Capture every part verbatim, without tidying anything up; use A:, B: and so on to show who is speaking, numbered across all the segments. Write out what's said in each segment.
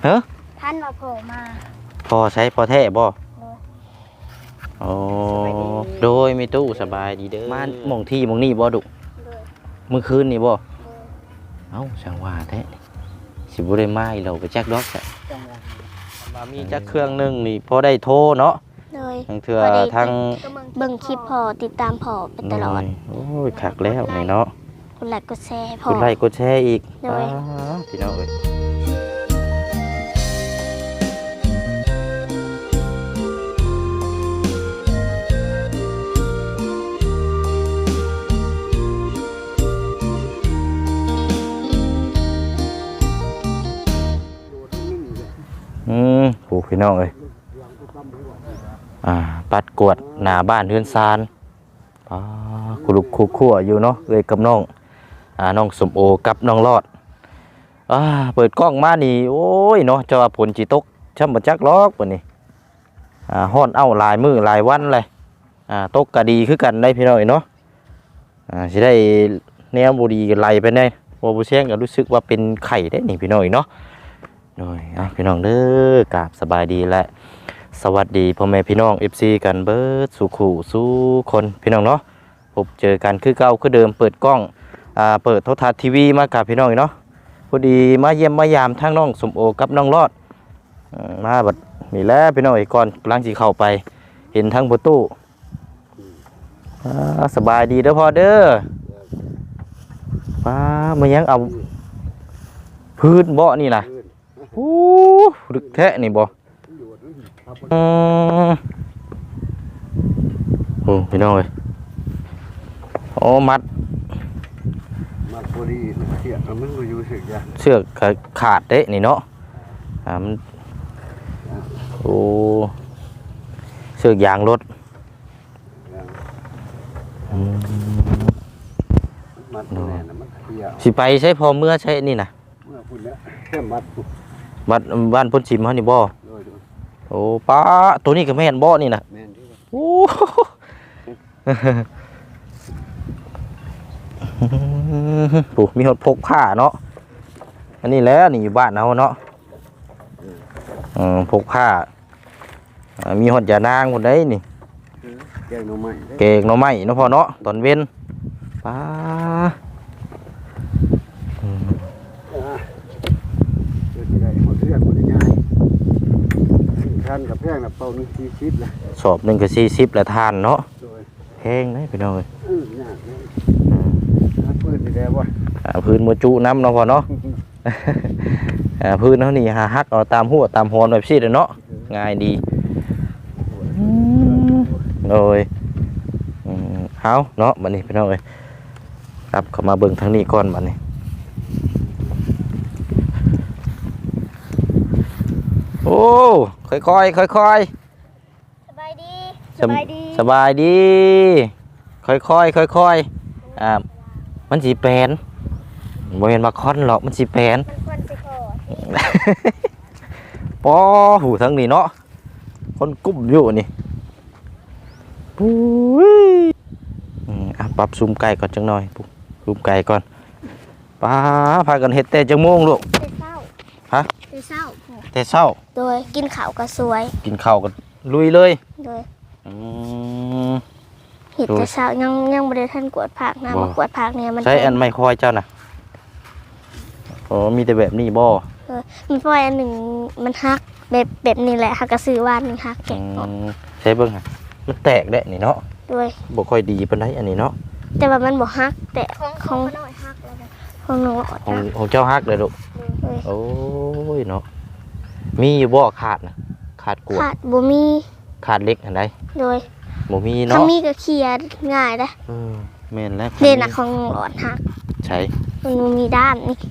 A: เฮ้อ
B: ท่านมาโผล่มา
A: พอใช้พอแท้บ่โอ้โดยมีตู้สบายดีเด้อมาหม่องที่หม่องนี่บ่ดุเมื่อคืนนี่บ่เอ้าช่างว่าแท้สิบ่ได้มาอีเราไปจักดอกแท้มามีจักเครื่องนึงนี่พอได้โทรเนาะ
B: เลย
A: ทางเทื่อทาง
B: เบิ่งคลิปพอติดตามพอไปตลอด
A: โอ้ยคักแล้วนี่เนาะ
B: กดไลค์กดแชร์พอก
A: ดไลค์กดแชร์อีกพี่น้องเอ้ยอืมโหพี่น้องเอ้ยอ่าปัดกวดหน้าบ้านเฮือนซานอ่าคุลุกคุคั่วอยู่เนาะเอ้ยกับน้องอ่าน้องสมโอกับน้องรอดอ่าเปิดกล้องมานี่โอ้ยเนาะจะว่าฝนจิตกช่ำบ่จักลอกปะนี่อ่าฮ้อนเอ้าหลายมื้อหลายวันเลยอ่าตกก็ดีคือกันได้พี่น้องเนาะอ่าสิได้แนวบ่ดีกันไหลไปได้บ่บ่แซงก็รู้สึกว่าเป็นไข้ได้นี่พี่น้องเนาะโดยอ่ะพี่น้องเด้อกราบสบายดีและสวัสดีพ่อแม่พี่น้อง เอฟ ซี กันเบิดสู่ขู่สู่คนพี่น้องเนาะพบเจอกันคือเก่าคือเดิมเปิดกล้องอ่าเปิดโทรทัศน์ทีวีมากับพี่น้องเนาะพอดีมาเยี่ยมมายามทั้งน้องสมโอกับน้องรอดมาบัดนี่แหละพี่น้องอีกก่อนกำลังสิเข้าไปเห็นทั้งประตูสบายดีเด้อพ่อเด้อป้ามายังเอาพื้นเบาะนี่นะโอ้ดึกแท้นี่บ่อืมโอ้พี่น้องเอ้ยโอ้มัด
C: มัดพอดีเสียบมันก็อยู่เสือกยา
A: เสือกขาดเด้นี่เนาะอ่ามันโอ้เสือกยางรถ
C: มัดแน่นะมันเสียบ
A: สิไปใช้พอเมื่อใช้นี่นะ
C: เมื่อพุ่นแล้วแค่มัด
A: บ้านบ้านพ้นชิมเขานี่บ่โอ้ป้าตัวนี้ก็แม่นบ่นี่นะโอ้ปุ๊มีหดพกผ้าเนาะอันนี้แล้วนี่อยู่บ้านเราเนาะอืมพกผ้ามีหดยานางหมดได้นี่
C: เก่งหน่อไม้
A: เก่งหน่อไม้เนาะพ่อเนาะตอนเว้นป้า
C: ทานกับแพงนะเป่าหนึ่งสี่สิบเลย
A: สอบหนึ่งกับสี่สิบละทานเนาะแพงนะพี่น้องเลย
C: พื้นนี่แหละวะ
A: พื้นมือจุน้ำเนาะพอเนาะพื้นเขานี่หาฮักเอาตามหัวตามหอนแบบซีดเนาะง่ายดีเลยเอาเนาะบัดนี้พี่น้องเลยครับเข้ามาเบิ่งทางนี้ก่อนบัดนี้โอ้ค่อยค่อยค่อยค่อย
B: สบายดี
A: สบายดีสบายดีค่อยค่อยค่อยค่อยอ่ามันสีแปนบ่เห็นมาคอนหรอกมันสีแปนปอหูทั้งนี้เนาะคนกุ้มอยู่นี่ปุ้ยอ่ะปรับซูมไก่ก่อนจังหน่อยปุ๊บซูมไก่ก่อนป้าพากันเฮ็ดแต่จังโมงลูกฮะ
B: แต่เช้า
A: แต่เช้า
B: โดยกินข้าวก็สวย
A: กินข้าวก็ลุยเลย
B: โดย
A: อืม
B: เห็ดแต่เช้ายังยังไม่ได้ท่านกวดผักนะมากวดผักเนี่ยมัน
A: ใช้อันไม่คอยเจ้านะโอ้มีแต่แบบนี้บ่
B: เออมันปล่อยอันหนึ่งมันฮักแบบแบบนี้แหละฮักกระสือวานหนึ่งฮักแกะ
A: ใช้เบิ้งฮะมันแตกได้นี่เนาะ
B: ด้วย
A: บ่ค่อยดีปานใดอันนี้เนาะ
B: แต่ว่ามันบ่ฮักแต่ของน้อยฮักแล้วของน้อย
A: ของของเจ้าฮักเลยลูกโอ้ยเนาะมีอยู่บ่ขาดนะขาดกวด
B: ขาดบ่มี
A: ขาดเล็กอันใด
B: โดย
A: บ่มีเนาะ
B: ถ้ามีก็เคลียร์ง่ายได้
A: เออแม่นแล้ว
B: เด่นน่ะของหลอดฮัก
A: ใช่
B: มันมีด้านนี่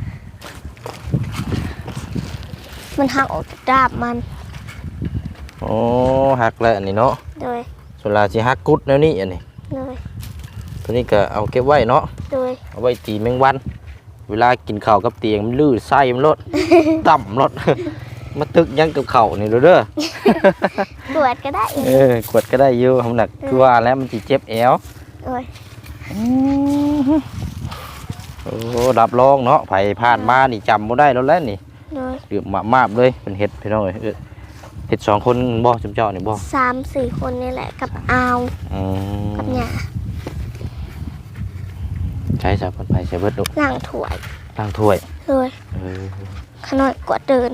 B: มันหักออกดาบมัน
A: โอ้หักแล้วอันนี้เนาะ
B: โดย
A: ส่วนลาสิหักกุดแนวนี้อันนี้
B: โดย
A: ตัวนี้ก็เอาเก็บไว้เนาะ
B: โดย
A: เอาไว้ตีแมงวันเวลากินข้าวกับเตียงมันลื่นไส้มันลดต่ำลดมาตึกยังกับเข่านี่เด้อก
B: วดก็ได้
A: เออกวดก็ได้อยู่ทำหนักคือว่าแล้วมันจีเจ็บแอว
B: โอ้ย
A: โอ้ดับรองเนาะไผ่ผ่านมานี่จำบ่ได้แล้วแหละนี่
B: โดย
A: เดือบมาบๆเลยเป็นเฮ็ดพี่น้องเอ้ยเอิ้นเฮ็ดสองคนบ่จุ๊มเจ้านี่บ่
B: สามสี่คนนี่แหละกับอาว
A: อืม
B: กับหยา
A: ใช้สาเพิ่นไปใช้เบิดลูก
B: ล้างถ้วย
A: ล้างถ้วย
B: โดย
A: เออ
B: ขน้อยกว่าเดิน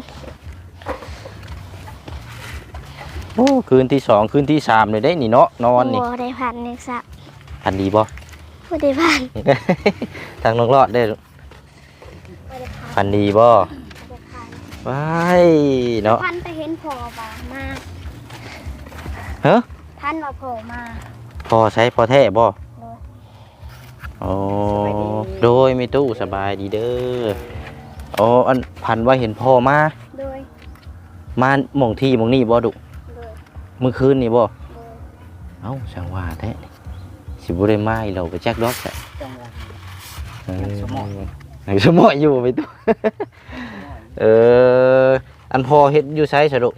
A: โอ้คืนที่สองคืนที่สามเลยได้นี่เนาะนอนนี่
B: บ่ได้พันเนี่ยสัก
A: พันดีบ่
B: บ่ได้พัน
A: ทางน้องรอดได้ลูก
B: บ่ได้พัน
A: พันดีบ่
B: บ่ได้พัน
A: ว้ายเนาะ
B: พันไปเห็นพอบ่มา
A: ฮะ
B: พันว่าพอมา
A: พอใช้พอแท้บ่
B: โดย
A: โอ้โดยมีตู้สบายดีเด้อโอ้อันพันว่าเห็นพ่อมา
B: โดย
A: มาหม่องที่หม่องนี่บ่ดุ
B: โดย
A: เมื่อคืนนี่บ่
B: โดย
A: เอ้าช่างว่าแท้นี่สิบ่ได้มาอีเราไปแจ็คดอกแท้
B: จังหวะ
A: เออยังสมอยอยู่ไปตู้ เอออันพอเฮ็ดอยู่ไสซะดุ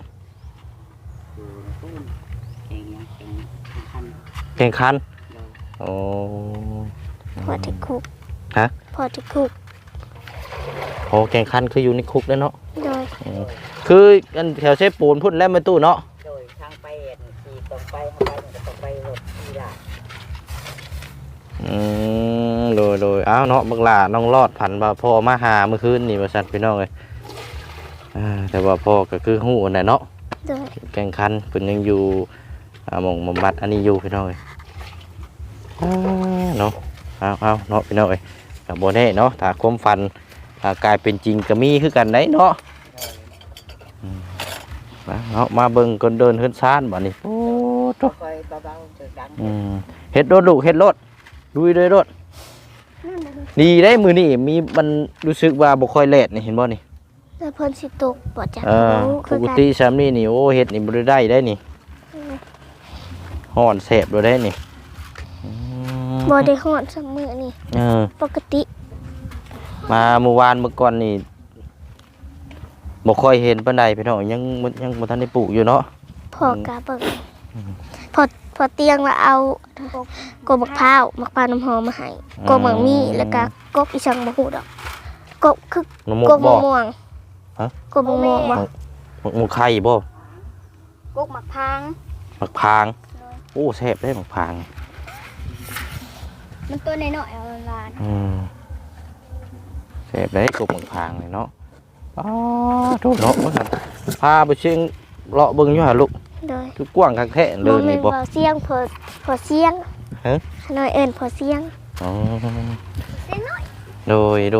C: เองยังเองคัน
A: แข่งขันโอ้
B: พอที่คุก
A: ฮะ
B: พอที่คุก
A: พอแข่งขันคืออยู่ในคุกแล้วเนาะ
B: โดย
A: อืมคืออันแถวเชฟปูนพุ่นแล้วไม่ตู้เนาะ
D: โดยทางไปเอ็นขี่ตรงไปเข้าไปมันก็ตรงไปรถที่ได้
A: อืมโดยโดยอ้าวเนาะบักหลาน้องรอดผันว่าพ่อมาหาเมื่อคืนนี่ว่าซั่นพี่น้องเอ้ยอ่าแต่ว่าพ่อก็คือฮู้นั่นแหละเนาะ
B: โดย
A: แข่งขันเพิ่นยังอยู่อ่าหม่องบำบัดอันนี้อยู่พี่น้องเอ้ยอ่าเนาะเอาเอาเนาะพี่น้องเอ้ยก็บ่แน่เนาะถ้าความฝันอ่ากลายเป็นจริงก็มีคือกันได้เนาะอืมมาเนาะมาเบิ่งคนเดินเฮือนซ่านบัดนี้โอ้โต
D: คอยเบาๆเจอดัง
A: อืมเฮ็ดรถลูกเฮ็ดรถลุยเลยรถ
B: นั่นน่ะ
A: ดีได้มือนี่มีมันรู้สึกว่าบ่ค่อยแลดนี่เห็นบ่นี่
B: แล้วเพิ่นสิตกบ่จัก
A: เออ
B: รู้
A: ป
B: คือก กัน
A: ติซามนี่นี่โอ้เฮ็ดนี่บ่ได้ได้ได้นี่ฮ้อนแสบบ่ได้นี่อืม
B: บ่ได้ฮอดซัมื้อนี่
A: เออ
B: ปกติ
A: มาเมื่อวานเมื่อก่อนนี่บ่ค่อยเห็นปานใดพี่น้องยังบ่ยังบ่ทันได้ปลูกอยู่เนาะ
B: พอกะเบิ่งพอพอเตียงว่าเอากบมะพร้าวมะพร้าวน้ำหอมมาให้กบหมังมีแล้วก็กบอีสังบ่ฮู้ดอกกบคือ
A: น้ำมก
B: กบ
A: บ่
B: มะม่วง
A: ฮะ
B: กบมะม่วงบ่
A: หมกหมูไข่บ่
B: กบมะพร้าง
A: หมักพางโอ้แซ่บเด้หมักพาง
B: มันตัวน้อยๆเอาลาน
A: อืมแซ่บได้กบหมักพางนี่เนาะอ๋อโทษเนาะว่าซั่นพาไปเชียงเลาะเบิ่งอยู่หาลูก
B: โดย
A: คือกว้างคักแท้เดิน
B: แม่
A: นี่
B: น
A: บ่
B: บ่เสียงพอพอเสียง
A: ฮะ
B: ขน้อยเอิ้นพอเสียง
A: อ๋อ
B: เสียงน้อย
A: โดยลูก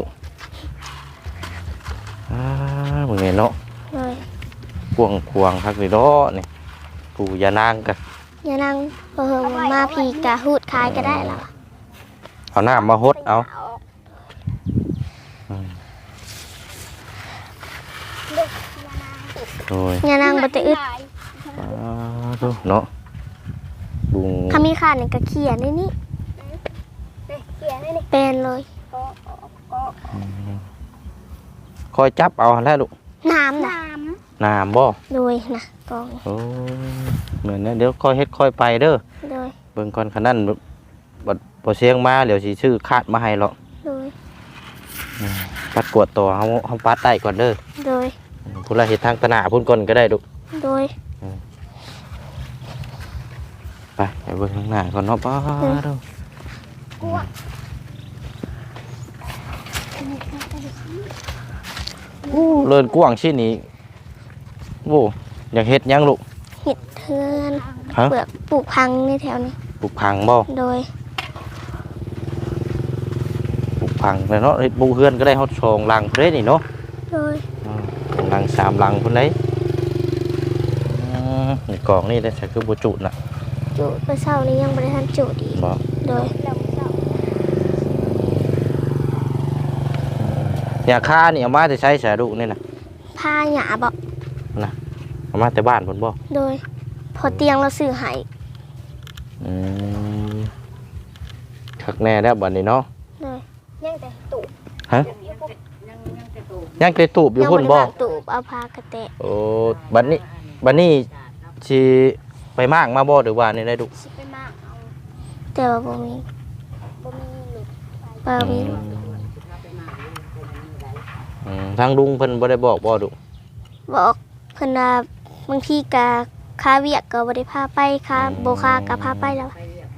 A: อ่ามึงเห็นเนาะ
B: โดย
A: กวางควางคักเลยเนาะนี่กูอย่านางกัน
B: อย่านั่งบ่เฮิงมาพี่กะฮูดคายก็ได้ล่ะ
A: เอาน้ำมาฮดเอาอืมโดย
B: อย่านั่งบ่ได้อึด
A: อ่าดูเนาะบุง
B: ถ้ามีขาดนี่ก็เขียนในนี้เขียนในนี้เป็นเลย
A: คอยจับเอาแล้วลูก
B: น้ำน้
A: น้ำบ่
B: ำโดยนะกอง
A: โอ้เหมือนนะเดี๋ยวค่อยเฮ็ดค่อยไปเด้อ
B: โดย
A: เบิ่งก่อนคันนั้นบ่บ่เสียงมาเดี๋ยวสิซื้อคาดมาให้หรอก
B: โดย
A: ปัดกวดตัวเฮาเฮาปัดได้ก่อนเด้อ
B: โดย
A: พุ่นละเฮ็ดทางตะหนาพุ่นก่อนก็ได้ลูก
B: โดย
A: ไปไปเบิ่งข้างหน้าก่อนเนาะป้าเด้อโอ้เลินกว้างชิ้นนี้โอ้อยากเฮ็ดหยังลูก
B: เห็ดเทือน
A: ฮะ
B: เปลือกปลูกพังในแถวนี้
A: ปลูกพังบ่
B: โดย
A: ปลูกพังแล้วเนาะเฮ็ดปลูกเฮือนก็ได้ฮอดสองหลังพุ่นเด้นี่เนาะ
B: โดย
A: อืมหลังสามหลังพุ่นเด้อืมนี่กล่องนี่ได้ใช้คือบ่จุน่ะ
B: จุดเมื่อเช้านี้ยังบริทันจุดอีก
A: บ่
B: โดย
A: ยาค่านี่เอามาแต่ใช้สาดุนี่น่ะ
B: ผ้าหยาบอก
A: เอามาแต่บ้านพุ่นบ่
B: โดย พอเตียงเราซื้อให้
A: อืมคักแน่แล้วบัดนี้เนาะ
B: โดยยังแต่ตูบ
A: ฮะ
D: ยังยังจะตู
A: ยังไปตูบอยู่
B: ยัง
A: พุ่น
B: บ
A: บ่
B: ริวางตูบเอาผ้ากระเตะ
A: โอ้บัดนี้บัดนี้สิไปมากมาบ่หรือว่านี่ได้ดุ
B: สิไปมากเอาแต่ว่าบ่มีบ่มีหลุดบ่มีหลุด
A: ออืมทางลุงเพิ่นบ่ได้บอกบ่ดุ
B: บอกเพิ่นว่าบางทีก็ค่าเวียกก็บ่ได้พาไปค่าบ่ค่าก็พาไปแล้ว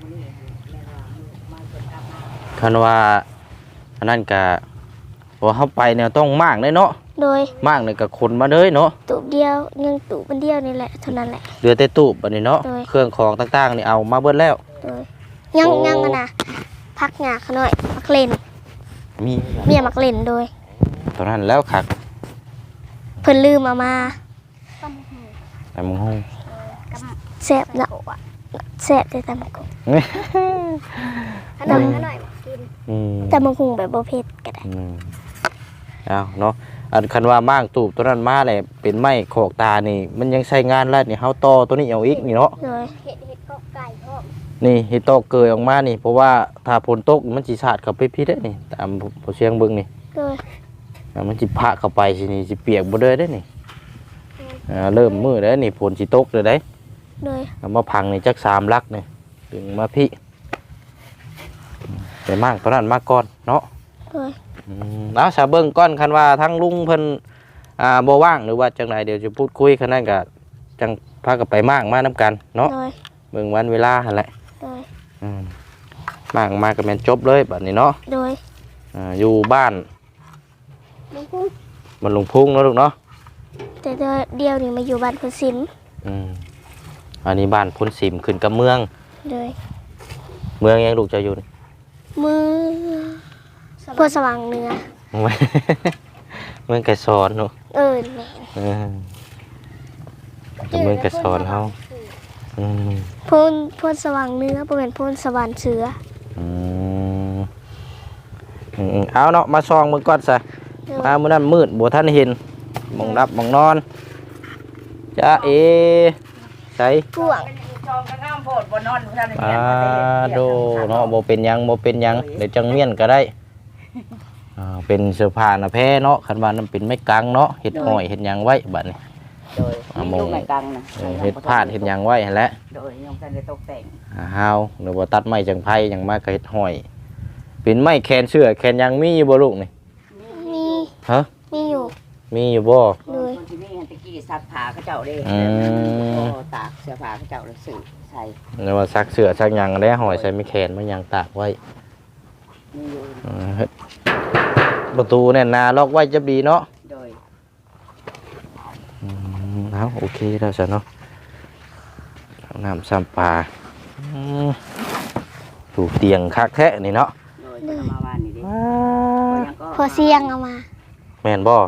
A: คันว่าอันนั้นก็ว่าเฮาไปเนี่ยต้องมากเลยเนาะ
B: โดย
A: มากเลยก็คนมาเลยเนาะ
B: ตูบเดียวยังตูบมันเดียวนี่แหละเท่านั้นแหละ
A: เหลือแต่ตู้บัดนี้เนาะ
B: โดย
A: เครื่องของต่างๆนี่เอามาเบิดแล้ว
B: โดยยัง
A: โอ้
B: ยังอะนะพักหยาเขาหน่อยมักเล่น
A: มี
B: เมียมักเล่นโดย
A: ตอนนั้นแล้วคัก
B: เพิ่นลืมเอามา
A: แต่มึงฮู้
B: แซ่บเนาะแซ่บแต่ตำบักหุ่ง
A: ขนมขนม อืม
B: ตำบักหุ่งแบบบ่เผ็ดก็ได้
A: อืมเอาเนาะอันคันว่าม่างตูบตัวนั้นมาเลยเป็นไม้โขกตานี่ มันยังใช้งานแล้วนี่เฮาต่อตัวนี้เอาอีกนี่เนาะ
B: โดย
A: นี่เฮ็ดตอกเกยออกมานี่เพราะว่าถ้าฝนตกมันสิสาดเข้าไปพิษได้นี่ตามผู้เชียงเบิ่งนี่
B: โดย
A: อ่ามันสิพะเข้าไปสินี่สิเปียกบ่เด้อได้นี่อ่าเริ่มมืดแล้วนี่ฝนสิตกเลยได้
B: โดย
A: เอามาพังนี่จักสามลักนี่ดึงมาพี่ไปมากตอนนั้นมาก่อนเนาะ
B: โดย
A: อืมเอาซะเบิ่งก่อนคันว่าทั้งลุงเพิ่นอ่าบ่ว่างหรือว่าจังไดเดี๋ยวจะพูดคุยคันนั้นก็จังพากันไปมากมานํกันเนาะ
B: โดย
A: เบิ่งวันเวลาหั่นแหละ
B: โดย
A: อืมมากมาก็แม่นจบเลยบัดนี้เนาะ
B: โดย
A: อ่าอยู่บ้าน
B: ลุงพุ่ง
A: มันลุงพุ่งเนาะลูกเนาะ
B: แต่เดียวนี่มาอยู่บ้านพุ่นสิน
A: อืมอันนี้บ้านพ้นสิมขึ้นกับเมือง
B: โดย
A: เมืองยังลูกจะอยู่นี่
B: มือพวสว่างเหนือ
A: เมืองไก่สอนเนาะ
B: เออแม่น
A: เออแต่เมืองไก่สอนเฮาอืม
B: พูนพูนสว่างเหนือบ่แม่นพูนสวรรค์เสือ
A: อืมอืมเอาเนาะมาซองเบิ่งก่อนซะ
B: โดย
A: มามื้อนั้นมืดบ่ทันเห็นหมองรับหมองนอนจ้าเอใส่
B: กวาง
D: จองกระง่ามโพดบนนอนท่าน
A: อ่าโดเนาะบ่เป็นหยังบ่เป็นหยังเดี๋ยวจังเมียนก็ได้อ่าเป็นเสื้อผ้าหน้าแพ้เนาะคันว่านั้นเป็นไม้กางเนาะเฮ็ดห้อยเฮ็ดหยังไว้บัดนี้
D: โดยมีลูกไม้กังนะ
A: เออเฮ็ดพาดเฮ็ดหยังไว้หั่นแหละ
D: โดยยังท่านได้ตกแต่ง
A: อ่าฮาวหรือว่าตัดไม้จังไผหยังมาก็เฮ็ดห้อย เป็นไม้แขนเสื้อแขนหยังมีอยู่บ่ลูกนี่
B: มี
A: ฮะ
B: มีอยู่
A: มีอยู่บ่
B: โดย
D: คนที่นี่ตะกี้ซักผ้าเขาเจ้าเด้
A: อืม
D: ก็ตากเสื้อผ้าเขาเจ้าเลยสื่อใส่
A: หรือว่าซักเสื้อซักหยังได้ห้อยใส่ไม้แขนมาหยังตากไว้
D: มีอยู่
A: อ่าเฮ็ดประตูเนี่ยหนาล็อกไว้จะดีเนาะ
D: โดย
A: อืมเอาโอเคแล้วซะเนาะเอาน้ำซ้ำปลาอืมถูกเตียงคักแท้นี่เนาะ
D: โดยคนเอามาบ้านนี่ดิ
A: ว้า
D: ยังก็
B: พอเสียงเอามา
A: แม่นบ่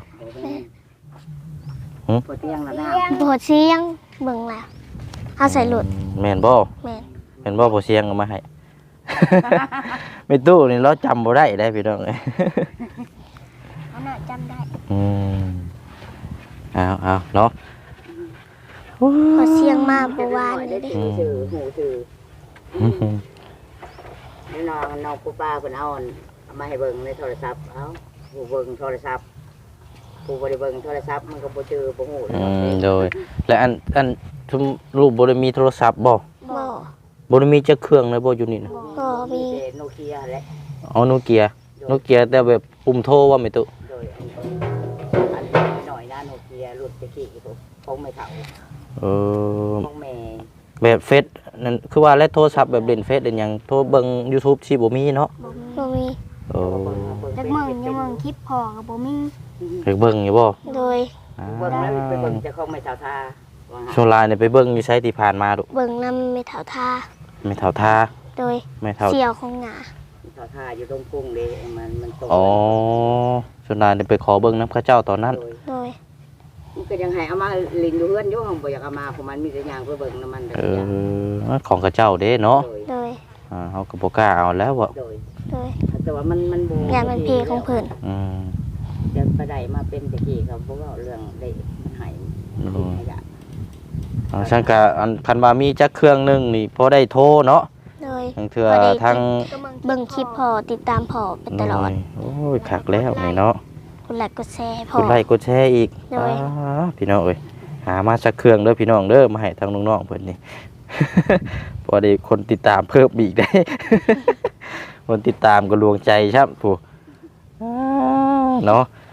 D: ปวดเตียงแล้วนะ
B: พอเสียงเบิ่งแล้วเอาใส่หลุด
A: แม่นบ่
B: แม่น
A: แม่นบ่พอเสียงเอามาให้ ไม่ตู้นี่เราจำบ่ได้ได้พี่น้องเอ้ย
B: เอาน่ะจำได้
A: อืมเอาเอาเนาะ
B: พอเสียงมาบ่วานนี่
D: ได้
B: เด้
D: ถือถือหูถือ
A: อืม
D: นี่น้องน้องกูป้าเพิ่นเอาเอามาให้เบิ่งในโทรศัพท์เอ้าผู้เบิ่งโทรศัพท์ผู้บ่ได้เบิ่งโทรศัพท์มันก็บ่เจอบ่ฮู้
A: อืมโดยและอันอันทุมรูปบ่ได้มีโทรศัพท์บ่
B: บ่
A: บ่ได้มีจักเครื่องเลยบ่อยู่นี่นะ
B: บ่มี
D: โนเกียแหละ
A: อ๋อโนเกียโนเกียแต่แบบปุ่มโทรว่าไม่ตุ
D: โดยอันนี้หน่อยนะโนเกียรุ่นตะกี้พวกของไม่เฒ่า
A: เออ
D: ของแม่
A: แบบเฟซนั่นคือว่าและโทรศัพท์แบบเล่นเฟซเล่นหยังโทรเบิ่ง YouTube สิบ่มีเนาะ
B: บ่มี
A: โอ้
B: จักเมืองยังเมืองคลิปพอก็บ่มี
A: ไปเบิ่งอยู่บ่
B: โดย
A: อ่า
D: เบิ่งแล้วไปเบิ่งจะของไม่เฒ่าทาว่าหา
A: ช่วงลายเนี่ยไปเบิ่งอยู่ไสที่ผ่านมาดุ
B: เบิ่งนำไม่เท่าท่า
A: ไม่เท่าทา
B: โดย
A: ไม่เท่า
B: เสี่ยวของหงา
D: เฒ่าทาอยู่ตรงกรุงเด้มันมันตรง
A: อ๋อช่วงลายเนี่ยไปขอเบิ่งนำพระเจ้าตอนนั้น
D: โดย
B: โดย
D: มันก็ยังให้เอามาลินอยู่เฮือนอยู่ห้องบ่อยากเอามาเพราะมันมีแต่ย่างไปเบิ่งน้ำมันแต่
A: เอ
D: อย่าง
A: อของพระเจ้าเด้เนาะ
D: โดย
B: โดย
A: อ่าเฮาก็บ่กล้าเอาแล้วบ่
D: โดย
B: โดย
D: แต่ว่ามันมันบ่
B: งานมันเพลของเพิ่น
A: อืม
D: จะไปได้มาเป็นตะกี้เขาบ่เว้าเรื่องได้มันให้ให้ยาก
A: อ่าฉันก็อันคันว่ามีจักเครื่องหนึงนี่พอได้โทรเนาะ
B: โดย
A: ทางเทื่อทาง
B: เบิ่งคลิปพอติดตามพอไปตลอด
A: โอ้ยคักแล้วนี่เนาะ
B: กดไลค์กดแชร์พอก
A: ดไลค์กดแชร์อีก
B: โดย
A: อ่าพี่น้องเอ้ยหามาสักเครื่องเด้อพี่น้องเด้อมาให้ทางน้องๆเพิ่นนี่ พอได้คนติดตามเพิ่มอีกได้ คนติดตามก็ลวงใจครับผู้อ่าเนาะ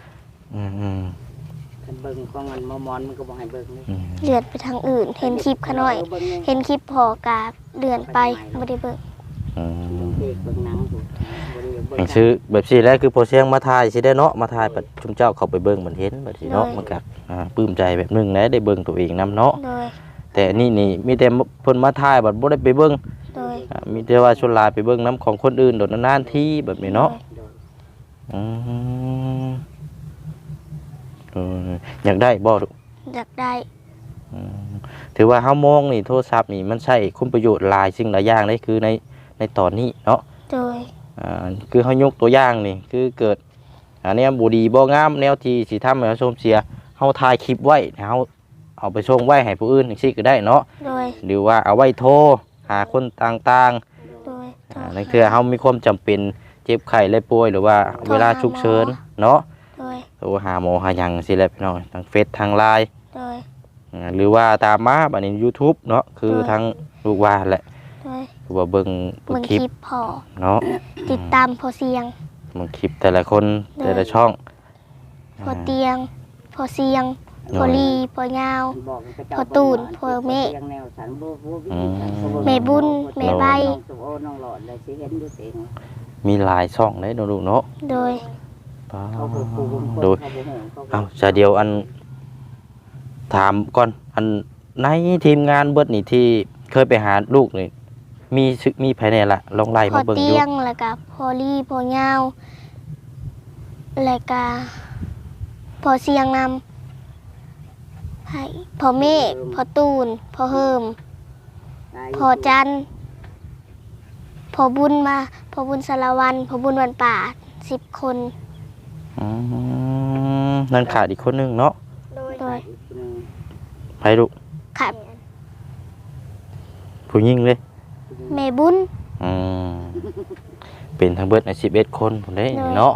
A: อืมอืม
D: คันเบิ่งของมันมอมอนมันก็บ่ให้เบิ่งนี่
A: อืม
B: เลื่อนไปทางอื่น เห็นคลิปขาน้อย
D: เบิ่งนี่
B: เห็นคลิปพอกาเลื่อนไปบ่ได้เบิ่ง
A: อืม
D: เด็กเบิ่งหนังอยู่บ่ได้เบิ่
A: อย่าง งซื้อแบบสิแล้วคือพอเสียงมาถ่ายสิได้เนาะมาถ่ายบัดชุมเจ้าเข้าไปเบิ่งมันเห็นบัดสิเนาะมันก็อ่าปลื้มใจแบบหนึงนะได้เบิ่งตัวเองนํเนาะ
B: โดย
A: แต่นี่นี่มีแต่เพิ่นมาถ่ายบัดบ่ได้ไปเบิ่ง
B: โดย
A: อ่ามีแต่ว่าชวนหลายไปเบิ่งน้ำของคนอื่นโดดนานๆทีแบบนี้เนาะ
D: โดย
A: อืมเอออยากได้บ่ลูก
B: อยากได้
A: อืมถือว่าเฮามองนี่โทรศัพท์นี่มันใช้คุณประโยชน์หลายสิ่งหลายอย่างเลยคือในในตอนนี้เนาะ
B: โดย
A: อ่าคือเฮายกตัวอย่างนี่คือเกิดอันเนี้ยบ่ดีบ่งามแนวที่สิทำให้เฮาชมเสียเฮาถ่ายคลิปไว้ให้เฮาเอาไปส่งไว้ให้ผู้อื่นจังซี่ก็ได้เนาะ
B: โดย
A: หรือว่าเอาไว้โทรหาคนต่างๆ
B: โดย
A: อ่านั่นคือเฮามีความจำเป็นเจ็บไข้และป่วยหรือว่าเวลาฉุกเฉินเนาะ
B: โดย
A: โทรหาหมอหาหยังสิแหละพี่น้องทางเฟซทางไลน์
B: โดย
A: อ่าหรือว่าตามมาบัดนี้ YouTube เนาะคือ
B: โดย
A: ทางลูกว่าแหละ
B: โดย
A: คือว่าเบิ่งเบิ่
B: เบิ่
A: ง
B: ง
A: ค
B: ค
A: ลิป
B: ลิปพอ
A: เนาะ
B: ติดตามพอเสียง
A: เบิ่งคลิปแต่ละคน
B: โดย
A: แต่ละช่อง
B: พอเตียง พอเสียง พอลีพอยาว
D: บอกให้เจ้า
B: พอตูนพอเมฆ
D: เสียงแนวสันบ่บ่วิ
A: อื
D: ธี
A: ม
D: การเขา
B: แม่บุญแม่ใบ
D: น้องสุโอน้องหลอดเลยสิเห็นอยู่เอง
A: มีหลายช่องเลยเนาะลูกเนาะ
B: โดย
A: ป้า
D: เขาบ่ปลูกบ่คน
A: โดย
D: เขาบ่ฮู้เขาบ่
A: เอาจะเดียวอันถามก่อนอันในทีมงานเบิดนี่ที่เคยไปหาลูกนี่มีซึมีภายในละลองไล่
B: พอ
A: มาเบิ่ง
B: เตี
A: อยู่
B: ยงแล้วก็พอลีพอยาวแล้วก็พอเสียงนำให้พอเมฆพอตูน พอเฮิม พอจันทร์พอบุญมา พอบุญสารวัน พอบุญวันป่าสิบคน
A: อืมนั่นขาดอีกคนหนึงเนาะ
B: โดย
A: ไปลูก
B: ค่ะ
A: ผู้หญิงเลย
B: แม่บุญ
A: อืมเป็นทั้งเบิดในสิบเอ็ดคนผมได้
B: เนาะ
A: เนาะ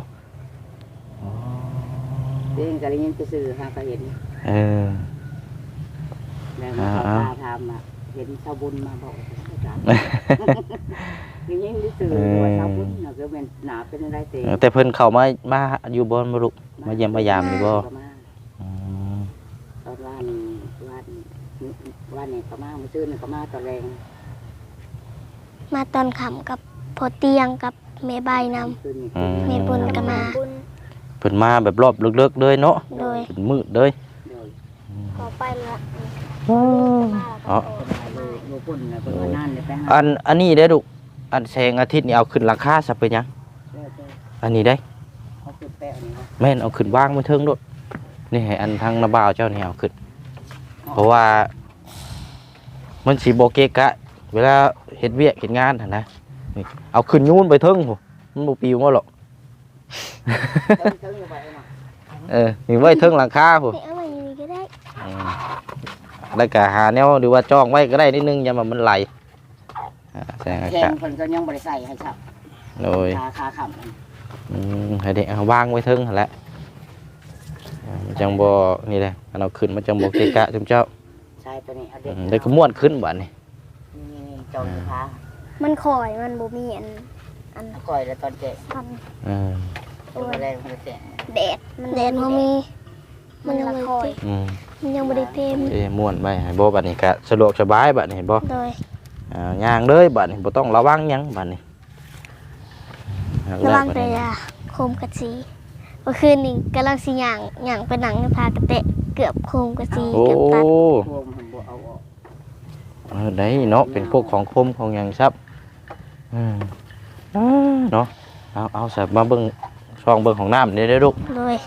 D: เองก็เลยยินไปซื้อหาก็เห็น
A: เออ
D: แล้วมาเขา
A: อ่า
D: พาทำอ่ะเห็นชาวบุญมาบอกอาจารย์ยิงยิงไปซื้อว่าชาวบุญน่ะก็เป็นหนาเป็นอะไรเตะ
A: แต่เพิ่นเข้ามามาอยู่บ่มาลูกมาเยี่ยมมายามอยู่บ่อืม
D: ตอนวันวันวันนี้ก็มาเมื่อคืนนี่ก็มาตอนแรง
B: มาตอนขำกับพอเตียงกับแม่ใบน
D: คืนนี้
A: อืม
B: ำแม่บุญก็มา
A: เพิ่นมาแบบรอบลึกๆเลยเนาะ
B: โดย
A: เป็นมืดเลย
D: โดย
B: ขอไปละ
A: อ๋อ
D: โลปุ่นน่ะเพิ่นว่านานเลยไปหา
A: อันอันนี้ได้อลูกอันแสงอาทิตย์นี่เอาขึ้นราคาซะเป็นหยัง
D: เด้อเด้อ
A: อันนี้ได้
D: เขาคือแปะนี่นะ
A: แม่นเอาขึ้นวางไว้เทิงโดดนี่ให้อันทางนาบ่าวเจ้านี่เอาขึ้น เพราะว่า มันสิบ่เกะกะ เวลาเฮ็ดเวียกเฮ็ดงานหั่นนะนี่เอาขึ้นยูนไปเทิงพุ่นมันบ่ปิวมาหรอก
D: เติมเติมเข้าไปเนาะ
A: เออนี่ไว้เทิงหลังคาพุ่น
B: นี่เอามาอยู่นี่ก็ได้
A: อืมแล้วก็หาแนวหรือว่าจ้องไว้ก็ได้นิดนึงอย่ามามันไหลอ่าแสงอา
D: แข่
A: กาง ศ
D: เพิ่นก็ยังบ่ได้ใส่ให้ครับ
A: โดย
D: ขาขาขำมัน
A: อืมให้เด็กเอาวางไว้เทิงหั่นแหละอ่ามันจังบ่นี่แหละอันเอาขึ้นมันจังบ่เกะกะจุมเจ้า
D: ใช่ตัวนี้เอา
A: อื
D: เด็ก
A: มได้ก็ม่วนขึ้นบัดนี้
D: นี่นี่ๆจองขา
B: มันคอยมันบ่มีอัน อัน
D: เอาก่อยแล้วตอนแกะ
B: พัน
A: อืม
D: ตัวแรกมันจะแกะ
B: แดดมันแดดบ่มี มันยังบ่ได้
A: อืม
B: มันยังบ่ได้เต็ม
A: เอ้ม่วนไปให้บ่บัดนี้ก็สะดวกสบายบัดนี้เห็นบ่
B: โดย
A: อ่าย่างเลยบัดนี้บ่ต้องระวังหยังบัดนี้
B: ระวังแต่อยาโคมกระสีเมื่อคืนนี้กำลังสิย่างย่างไปหนังในพากระเตะเกือบโคมกระสี
A: โอ้
B: เกือบตัด
D: พวงมันบ่เอาออก
A: เออได้เนาะเป็นพวกของคมของหยังซับอืมอ่าเนาะเอาเอาสับมาเบิ่งช่องเบิ่งของน้ำนี่ได้อลูก
B: โดย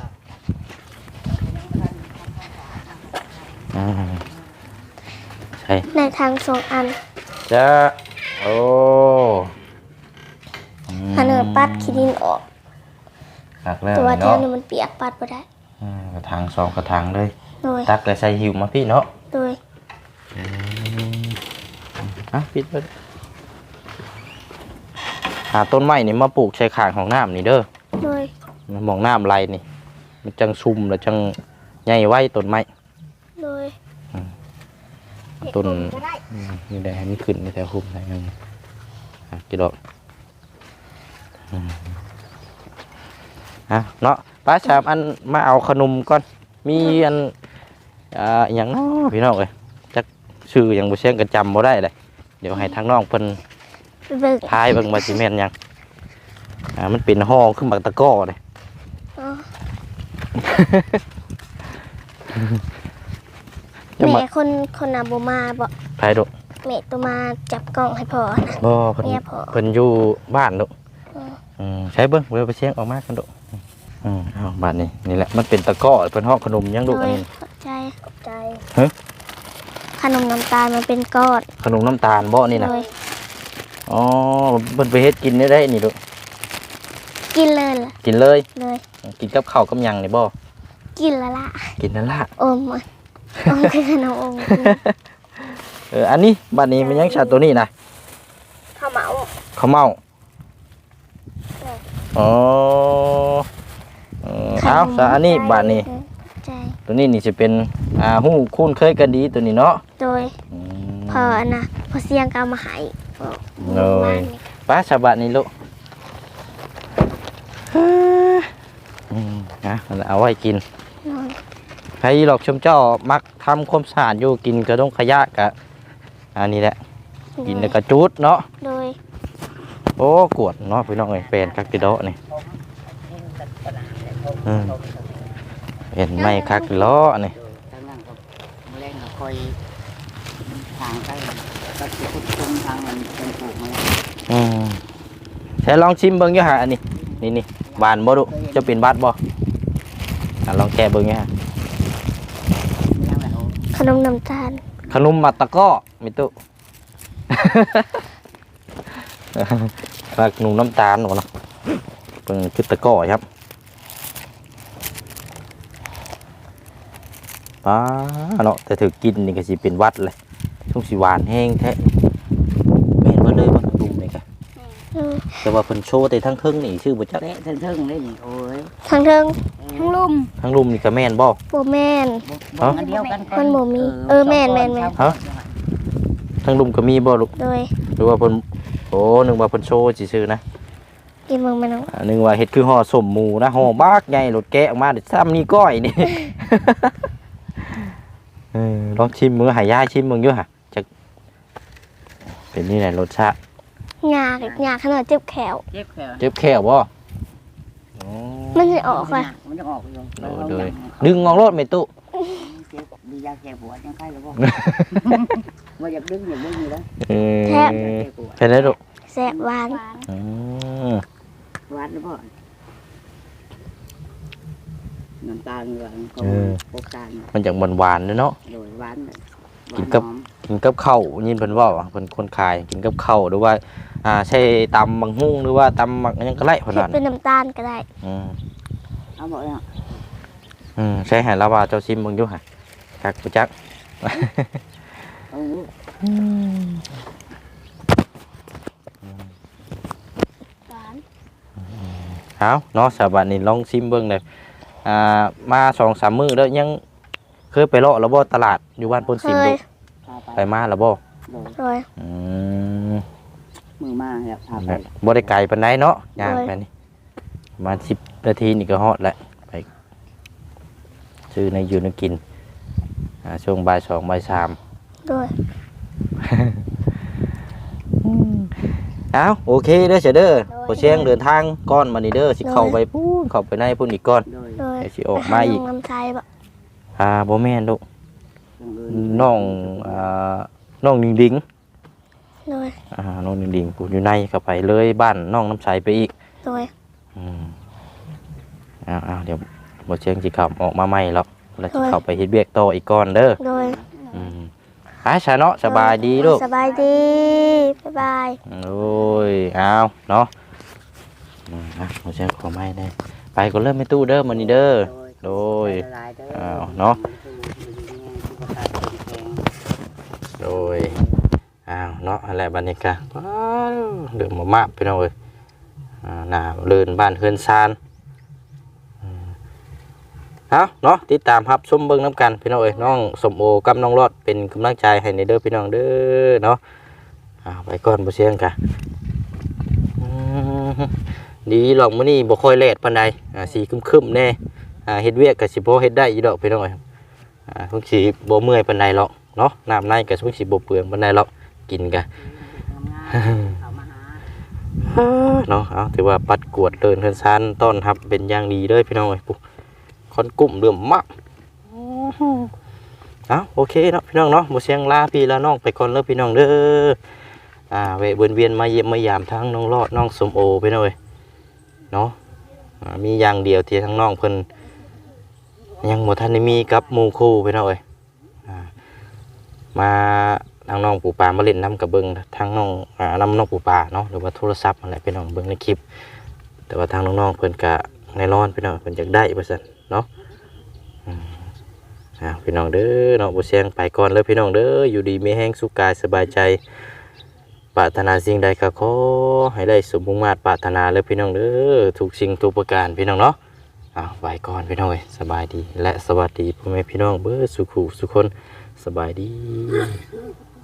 A: อ่าใช่
B: ในทางสองอัน
A: จ้าโอ้ม
B: อันเนอปัดขี้ดินออก
A: ตักแล้ว
B: ตัวเท่า
A: เนาะ
B: นี้มันเปียกปัดบ่ได้
A: อ่ากระถางสองกระถางเลย
B: โดย
A: ตักแล้วใส่หิวมาพี่เนาะ
B: โดย
A: อืมอ่ะปิดเลยหาต้นไม้นี่มาปลูกใช้ข้างของน้ำนี่เด้อ
B: โดย
A: มันมองน้ำไหลนี่ มันจังซุ่มแล้วจังใหญ่ไว้ต้นไม้
B: โดย
A: ต้นอืมนี่ได้ให้มันขึ้นในแถวคุ้มได้ยังอ่ะกี่ดอกอืมอ่ะเนาะป้าชามอันมาเอาขนมก่อนมีอันอ่าอหย่างน้อพี่น้องเอ้ยจักชื่อหยังบ่เสียงก็จำบ่ได้เลยเดี๋ยวให้ทางน้องเพิ่น
B: ไปเบิ่ง
A: ทายเบิ่งว่าสิแม่นหยังอ่ามันเป็นห่อคือบักตะกร้อเลย
B: อ๋อ
A: จะ
B: แม่
A: มา
B: คนคนน่ะบ่มาบ่
A: ทายดู
B: แม่ตัวมาจับกล้องให้พ่อนะ
A: บ่เพิ่น
B: เมียพ่อ
A: เพิ่นอยู่บ้านดู
B: อืม
A: อืมใช้เบิ่งเวลาไปเสียงออกมากันดูอืมเอาบ้านนี้นี่แหละมันเป็นตะกร้อเพิ่นห่อขนมหยังลูกอันนี้
B: ขอบใจขอบใจ
A: ฮะ
B: ขนมน้ำตาลมันเป็นก้อน
A: ขนมน้ำตาลบ่นี่น่ะ
B: เลย
A: อ๋อเพิ่นไปเฮ็ดกินได้ได้นี่ลูก
B: กินเลยล่ะ
A: กินเลย
B: เลย
A: กินกับข้าวกับหยังนี่บ่
B: กินและละ
A: กินนั่นล่ะ
B: อมมันอมคือขนมอม
A: เอออันนี้บ้านนี้มันยังชาตัวนี้นะ
B: ข้าวเหมา
A: ข้าวเมาอ๋อเออเอาซะอันนี้บ้านนี้
B: ใจ
A: ตัวนี้นี่จะเป็นอ่าหู้คุ้นเคยกันดีตัวนี้เนาะ
B: โดย
A: อืม
B: พอนะพอเสียงก็เอามาให้บอก
A: เลย
B: บ้านนี่
A: ป้าชาวบ้านนี่ลูกอืมนะเอาไว้กิน
B: นอน
A: ใครหลอกชมเจ้ามักทำความสะอาดอยู่กินกระดงขยะกะอันนี้แหละกินแล้วกระจุดเนาะ
B: โดย
A: โอ้กวดเนาะพี่น้องเอ้ยเป็นคักกิโดะนี่อืมเป็นไม่คักกิโลนี่
D: ทางนั้นก็แรงก็คอยทางใกล้ก็สิคุดคุมทางมันเป็นปลูกมาแล้ว
A: อืมใช้ลองชิมเบิ่งอยู่ฮะอันนี้นี่นี่บานบ่ดุจะเป็นบาดบ่อ่ะลองแกะเบิ่งอยู่ฮะ
D: ยังไงโอ้
B: ขนมน้ำตาล
A: ขนมมัดตะก้อมิตุ ขนมน้ำตาลหนูเนาะเป็นคือตะก้อครับป้าเนาะแต่ถือกินนี่ก็สิเป็นหวัดเลยทุ่งสีหวานแห้งแท้แม่นบ่เลยบ่ขนมนี่กะ
B: เออ
A: แต่ว่าเพิ่นโชว์แต่ทั้งครึ่งนี่ชื่อบ่จัก
D: เตะเทิงๆเลยนี่โอ้ย
B: ทางเทิงทั้งลุ่ม
A: ทั้งรุมนี่ก็แม่นบ่
B: โบแมน
D: บ่อันเดียวกัน
B: มันบ่มีเออแม่นแม่นแม่น
A: ฮะ ทั้งรุมก็มีบ่ลูก
B: โดย
A: หรือว่าเพิ่นโอ้นึกว่าเพิ่นโชว์ซื่อๆนะ
B: กินมึงมันเอา
A: อ่านึกว่าเฮ็ดคือห่อสมหมูนะห่อบากใหญ่รถแกะออกมาเด็ดซ้ำนี่ก้อยนี่ เออลองชิมมือหายายชิมมึงอยู่ฮะจะเป็นนี่แหละรสชาติ
B: หยาดหยาดขนาดเจ็บแขว
D: เจ็บแขน
A: เจ็บแค่บ่โอ้
B: มันจะออกว่ะ
D: มันจะออกอยู่
A: โดยโดยดึงงองรถไม่ตุ
D: เจ็บดียาแก้ปวดยังไข้หรือบ่ว่าอยากดึงอยากดึงอยู่แล้ว
A: เออ
B: แทบ
A: เป็นไรลูก
B: แซ่บหวาน
A: อืม
D: หวานหรือบ่น้ำตาลหวานก็พบตาล
A: มันจากหวานๆเด้อเนาะ
D: โดยหวาน
A: กินกับ กินกับข้าวยินเพิ่นเว้าว่าเพิ่นคนขายกินกับข้าวหรือว่าอ่าใช้ตำบักหุ่งหรือว่าตำบักหยังก็ได้เพิ่น
B: เผ็ด
A: ว่า
B: เป็นน้ำตาลก็ได้
A: อืม
D: เอาบ่เนาะ
A: อืมใช่ให้ลาวาเจ้าชิมมึงอยู่ฮะจักบ่จัก
D: เอา
B: หวาน
A: เอาเนาะสาบานนี่ลองชิมเบิ่งเลยอ่ามาสองสามมื้อแล้วยังเคยไปเลาะแล้วบ่ตลาดอยู่บ้านพน
B: เค
A: สิม
B: ย
A: ลูกไปมาแล้วบ่
D: โดย
B: โดย
A: อืม
D: มือมาแล้วพาไป
A: บ่ได้ไกลปานใดเนาะย่าง
B: โอ้ย
A: ไปนี่ประมาณสิบนาทีนี่ก็ฮอดแล้วไปซื้อในอยู่ในกินอ่าช่วงบ่ายสองบ่ายสาม
B: โดย
A: เอาโอเคเด้อเสยเด้อพอเชียงเดินทางก้อนมานี่เด้อสิเข้าไปพูนเข้าไปในพุ่นอีกก้อน
D: โดย
B: โดย
A: เดี๋ยวสิออกมาอีก
B: ไปหน้ำใจบ่
A: อ่าบ่แม่นลูก
D: อย่างอื่น
A: น้องอ่าน้องดิงดิง
B: โดย
A: อ่าน้องดิงดิงกูอยู่ในเข้าไปเลยบ้านน้องน้ำใสไปอีก
B: โดย
A: อืมเอาเอาเดี๋ยวบ่เชียงสิขับออกมาใหม่แล้วแล้วสิเข้าไปเฮ็ดเวียกต่ออีกก้อนเด้อ
B: โดย
A: อืมไปซะเนาะสบายดีลูก
B: สบายดีบ๊ายบาย
A: โอ้ยเอาเนาะอืมอ่ะบ่เชียงขอไม้ได้ไปก็เริ่มไม่ตู้เด้อมื้อนี้เด้อ โดย อ้าวเนาะ โดยอ้าวเนาะอะไรบรรยากาศว้าวเดือดมากๆพี่น้องเอ้ยอ่าหน้าเลื่นบ้านเฮือนซานอืมเอาเนาะติดตามรับชมเบิ่งน้ำกันพี่น้องเอ้ยน้องสมโอกับน้องรอดเป็นกำลังใจให้ในเด้อพี่น้องเด้อเนาะเอาไปก่อนบ่เสียงกะอืมดีหรอกมื้อนี้บ่ค่อยแลดปานใดอ่าสีครึมๆแน่อ่าเฮ็ดเวียกก็สิพอเฮ็ดได้อยู่ดอกพี่น้องเอ้ยอ่าคงสิบ่เมื่อยปานใดหรอกเนาะน้ำในก็คงสิบ่เปลืองปานใดหรอกกินก็
D: เขามาหา
A: เนาะเอาถือว่าปัดกวดเดินเฮือนซานต้อนรับเป็นอย่างดีเลยพี่น้องเอ้ยปุ๊คอนกุ้มเริ่มมากเอาโอเคเนาะพี่น้องเนาะบ่เสียงลาพี่ลาน้องไปก่อนเด้อพี่น้องเด้ออ่าแวะเวียนเวียนมาเยี่ยมมายามทั้งน้องรอดน้องสมโอพี่น้องเอ้ยเนาะอ่ามีอย่างเดียวที่ทั้งน้องเพิ่นยังบ่ทันได้มีกับหมู่คู่พี่น้องเอ้ยอ่ามาทางน้องปู่ปามาเล่นน้ำกับเบิ้งทางน้องอ่าน้ำน้องปู่ปาเนาะหรือว่าโทรศัพท์อะไรพี่น้องเบิ้งในคลิปแต่ว่าทางน้องๆเพิ่นกะในร้อนพี่น้องเพิ่นอยากได้ว่าซั่นเนาะอืมอ่าพี่น้องเด้อเนาะบ่เสียงไปก่อนเลยพี่น้องเด้ออยู่ดีมีแห้งสุขกายสบายใจปรารถนาสิ่งใดก็ขอให้ได้สมมุ่งมาตรปรารถนาเลยพี่น้องเด้อทุกสิ่งทุกประการพี่น้องเนาะอ่าไปก่อนพี่น้องเอ้ยสบายดีและสวัสดีพ่อแม่พี่น้องเบ้อสุขุสุขคนสบายดี